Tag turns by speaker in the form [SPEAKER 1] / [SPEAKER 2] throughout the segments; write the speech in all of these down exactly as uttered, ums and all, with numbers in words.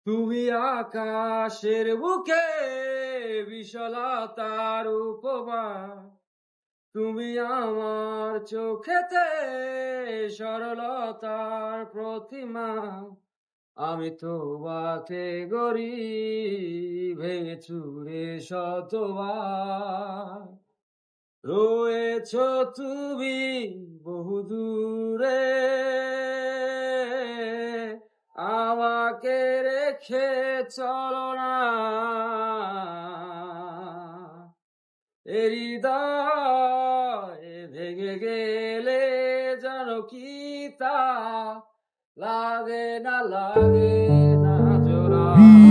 [SPEAKER 1] তুমি আকাশের বুকে বিশালতার উপমা, তুমি আমার চোখেতে সরলতার প্রতিমা। আমি তোমাকে গড়ি ভেঙে চুরে শতবার, রয়েছ তুমি বহুদূরে, আমাকে রেখে চলো না। এ হৃদয় ভেঙে গেলে জানো কি তা লাগে না, লাগে না জোড়া।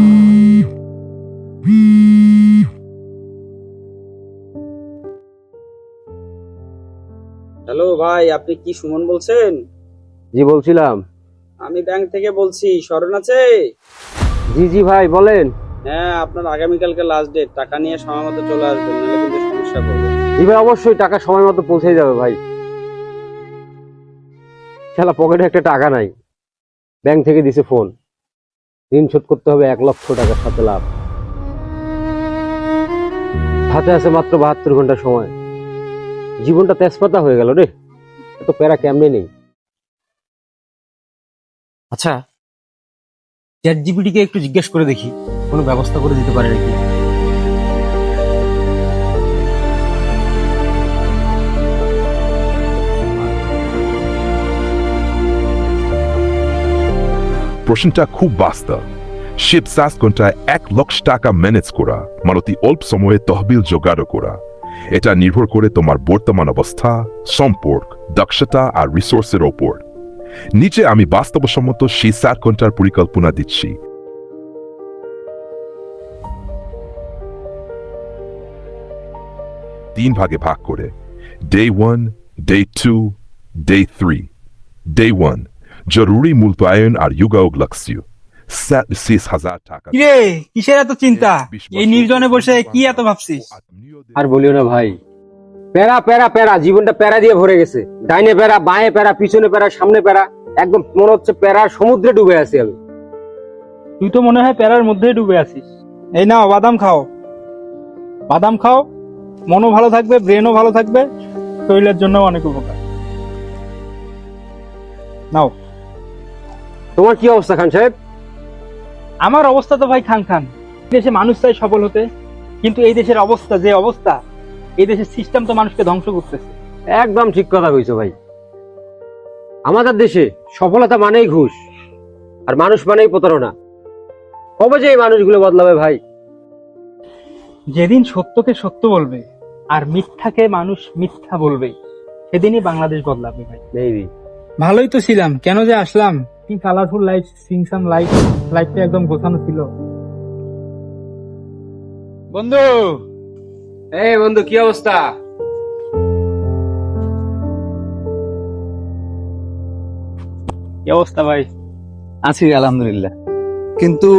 [SPEAKER 2] হ্যালো ভাই, আপনি কি সুমন বলছেন?
[SPEAKER 3] জি বলছিলাম।
[SPEAKER 2] আমি ব্যাংক থেকে বলছি, স্মরণ আছে?
[SPEAKER 3] জি জি ভাই বলেন।
[SPEAKER 2] হ্যাঁ, আপনার আগামীকালকে লাস্ট ডেট, টাকা নিয়ে সময় মতো চলে আসবেন, নাহলে কিন্তু সমস্যা করবে।
[SPEAKER 3] জি ভাই অবশ্যই টাকা সময় মতো পৌঁছে যাবে ভাই। শালা পকেটে একটা টাকা নাই, ব্যাংক থেকে দিছে ফোন, ঋণ শোধ করতে হবে এক লক্ষ টাকার সাথে লাভ। হাতে আছে মাত্র বাহাত্তর ঘন্টা সময়। জীবনটা তেজপাতা হয়ে গেল রে, এত প্যারা কেমনে নেই।
[SPEAKER 4] আচ্ছা, চ্যাট জিপিটি কে একটু জিজ্ঞেস করে দেখি কোনো ব্যবস্থা করে দিতে পারে নাকি।
[SPEAKER 5] প্রশ্নটা খুব বাস্তব। শিব সাত ঘন্টায় এক লক্ষ টাকা ম্যানেজ করা মানে অল্প সময়ে তহবিল জোগাড় করা। এটা নির্ভর করে তোমার বর্তমান অবস্থা, সম্পর্ক, দক্ষতা আর রিসোর্সের ওপর। নিচে আমি বাস্তবসম্মত সেই সাত ঘন্টার পরিকল্পনা দিচ্ছি। তিন ভাগে ভাগ করে, day one, day two, day three. Day one জরুরি মূল্যায়ন আর যোগাযোগ লক্ষ্য শেষ হাজার টাকা।
[SPEAKER 6] কিরে, কিসের এত চিন্তা? এই নির্জনে বসে কি এত ভাবছিস?
[SPEAKER 3] আর বলিও না ভাই, প্যারা প্যারা প্যারা, জীবনটা প্যারা দিয়ে ভরে গেছে। ডাইনে প্যারা, বাঁয়ে প্যারা, পিছনে প্যারা, সামনে প্যারা, একদম মনে হচ্ছে প্যারার সমুদ্রে ডুবে আছি আমি।
[SPEAKER 6] তুই তো মনে হয় প্যারার মধ্যেই ডুবে আছিস। এই নাও বাদাম খাও, বাদাম খাও, মনও ভালো থাকবে, ব্রেনও ভালো থাকবে, শরীরের জন্য অনেক উপকার। নাও।
[SPEAKER 3] তোমার কি অবস্থা খান সাহেব?
[SPEAKER 6] আমার অবস্থা তো ভাই খান খান। দেশে মানুষ চাই সফল হতে, কিন্তু এই দেশের অবস্থা যে অবস্থা, এই দেশের সিস্টেম তো মানুষকে ধ্বংস করতেছে।
[SPEAKER 3] একদম ঠিক কথা কইছো ভাই। আমাদের দেশে সফলতা মানেই ঘুষ, আর মানুষ মানেই প্রতারণা। কবে যে এই মানুষগুলো বদলাবে ভাই?
[SPEAKER 6] যেদিন সত্যকে সত্য বলবে আর মিথ্যাকে মানুষ মিথ্যা বলবে, সেদিনই বাংলাদেশ বদলাবে ভাই।
[SPEAKER 3] মেবি।
[SPEAKER 6] ভালোই তো ছিলাম, কেন যে আসলাম? কি কালারফুল লাইফ, সিংসাম লাইফ, লাইফটা একদম গোছানো ছিল। বন্ধু,
[SPEAKER 3] এই বন্ধু কি অবস্থা?
[SPEAKER 6] কি অবস্থা ভাই?
[SPEAKER 7] আছি আলহামদুলিল্লাহ, কিন্তু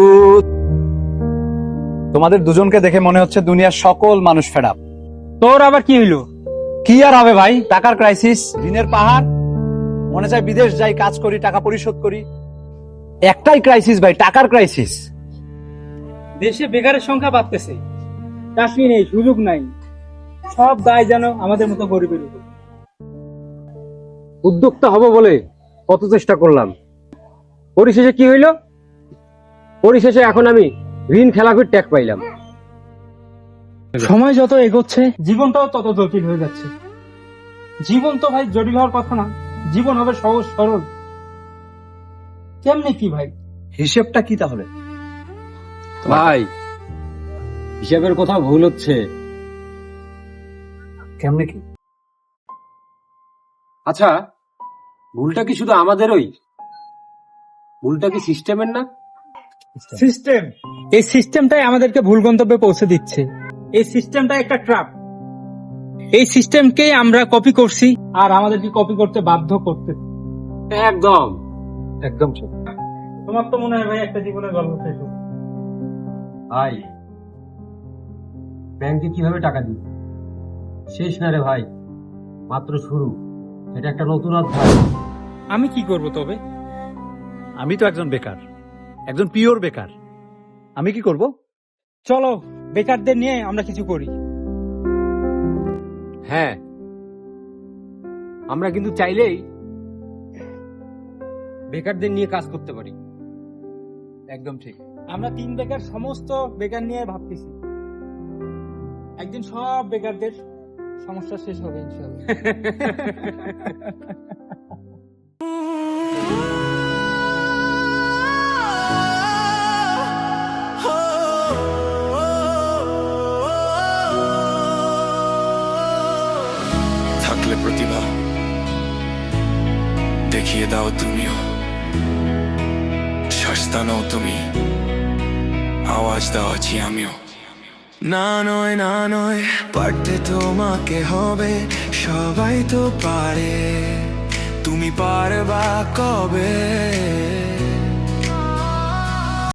[SPEAKER 7] তোমাদের দুজনকে দেখে মনে হচ্ছে দুনিয়ার সকল মানুষ ফেড আপ।
[SPEAKER 6] তোর আবার কি হইলো?
[SPEAKER 7] কি আর হবে ভাই, টাকার ক্রাইসিস, ঋণের পাহাড়, মনে চাই বিদেশ যাই, কাজ করি, টাকা পরিশোধ করি। একটাই ক্রাইসিস ভাই, টাকার ক্রাইসিস।
[SPEAKER 6] দেশে বেকারের সংখ্যা বাড়তেছে, চাকরি নেই, সুযোগ নাই, সব দায় যেন আমাদের মতো গরিবের উপর।
[SPEAKER 3] উদ্যোক্তা হব বলে কত চেষ্টা করলাম, পরিশেষে কি হইল? পরিশেষে এখন আমি ঋণ খেলাপির ট্যাগ পাইলাম।
[SPEAKER 6] সময় যত এগোচ্ছে জীবনটাও তত জটিল হয়ে যাচ্ছে। জীবন তো ভাই জটিল হওয়ার কথা না, জীবন হবে সহজ সরল। কেমনে কি ভাই?
[SPEAKER 7] হিসেবটা কি তাহলে?
[SPEAKER 3] ভাই হিসাবের কথা ভুল হচ্ছে।
[SPEAKER 7] কেমনে কি?
[SPEAKER 3] আচ্ছা, ভুলটা কি শুধু আমাদেরই? ভুলটা কি সিস্টেমের না?
[SPEAKER 6] সিস্টেম, এই সিস্টেমটাই আমাদেরকে ভুল গন্তব্যে পৌঁছে দিচ্ছে। এই সিস্টেমটা একটা ট্র্যাপ। এই সিস্টেমকেই আমরা কপি করছি, আর আমাদেরকে কপি করতে বাধ্য করতে।
[SPEAKER 3] একদম
[SPEAKER 7] একদম ঠিক।
[SPEAKER 6] তোমার তো মনে হয় ভাই একটা জীবনের গল্প শেষ হলো।
[SPEAKER 3] ভাই, ব্যাংকে কিভাবে টাকা দিব? শেষ না রে ভাই, মাত্র শুরু। এটা একটা নতুন অধ্যায়।
[SPEAKER 6] আমি কি করব তবে?
[SPEAKER 7] আমি তো একজন বেকার, একজন পিওর বেকার। আমি কি করব?
[SPEAKER 6] চলো বেকারদের নিয়ে আমরা কিছু করি।
[SPEAKER 3] হ্যাঁ, আমরা কিন্তু চাইলেই বেকারদের নিয়ে কাজ করতে পারি।
[SPEAKER 7] একদম ঠিক।
[SPEAKER 6] আমরা তিন বেকার সমস্ত বেকার নিয়ে ভাবতেছি, একদিন সব বেকারদের সমস্যা শেষ হবে ইনশাআল্লাহ।
[SPEAKER 8] থাকলে প্রতিভা দেখিয়ে দাও তুমিও, সস্তা নও তুমি, আওয়াজ দাও আছি আমিও। না নয় না নয়, পারতে তোমাকে হবে, সবাই তো পারে, তুমি পারবা কবে?